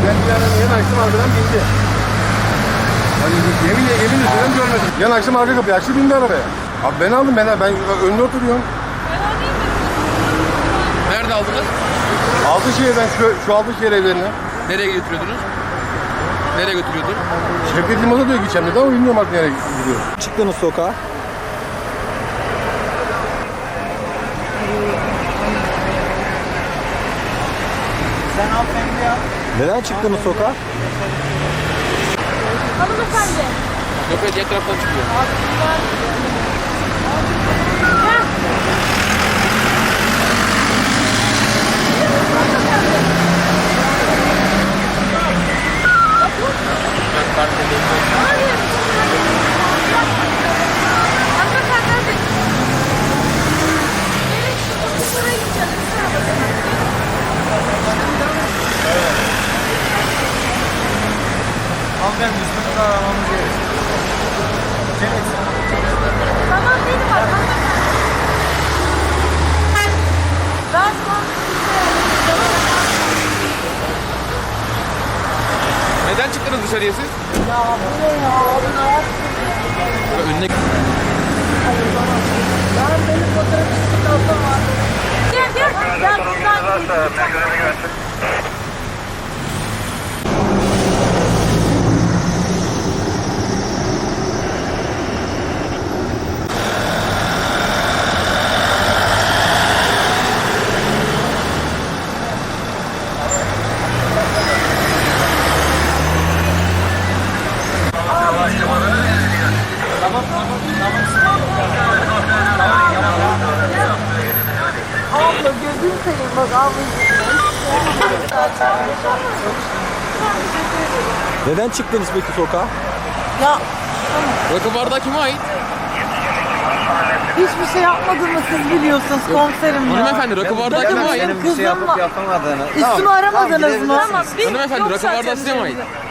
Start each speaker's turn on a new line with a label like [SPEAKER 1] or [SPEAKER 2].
[SPEAKER 1] Ben bir yana açtım arkadan bindi. Hani yemin ediyorum görmedim. Yan açtım arka kapıyı açtı bindi arabaya. Abi ben aldım ben önüne oturuyorum.
[SPEAKER 2] Nerede aldınız?
[SPEAKER 1] Altınşehir'den şu Altınşehir evlerine.
[SPEAKER 2] Nereye götürüyordunuz? Nereye götürüyordun?
[SPEAKER 1] Şevket Liman'a diyor gideceğim dedi ama bilmiyorum artık nereye gidiyor.
[SPEAKER 3] Çıktınız sokağa.
[SPEAKER 4] Sen hanımefendi ya.
[SPEAKER 3] Neden çıktınız sokağa?
[SPEAKER 5] Hanımefendi.
[SPEAKER 2] Yok evet diğer taraftan çıkıyor.
[SPEAKER 4] Hanımefendi üstünüzü aramamız gerekiyor.
[SPEAKER 5] Tamam benim var. Ben
[SPEAKER 2] Neden çıktınız dışarıya siz?
[SPEAKER 5] ya bu ne ya? Abi ne yaptın?
[SPEAKER 2] Önüne
[SPEAKER 5] Ben benim fotoğrafım var. Gel gel. Gel buradan. Abla gözün seveyim bak ablacığım.
[SPEAKER 3] Neden çıktınız peki sokağa?
[SPEAKER 5] Ya
[SPEAKER 2] rakı bardağı kime ait?
[SPEAKER 5] hiçbir şey yapmadığımı siz biliyorsunuz komiserim ya.
[SPEAKER 2] Hanımefendi rakı bardağı kime ait?
[SPEAKER 4] Senin bir şey yapıp yapamadığını.
[SPEAKER 5] Üstümü aramadınız mı?
[SPEAKER 2] Hanımefendi rakı bardağı size mi ait?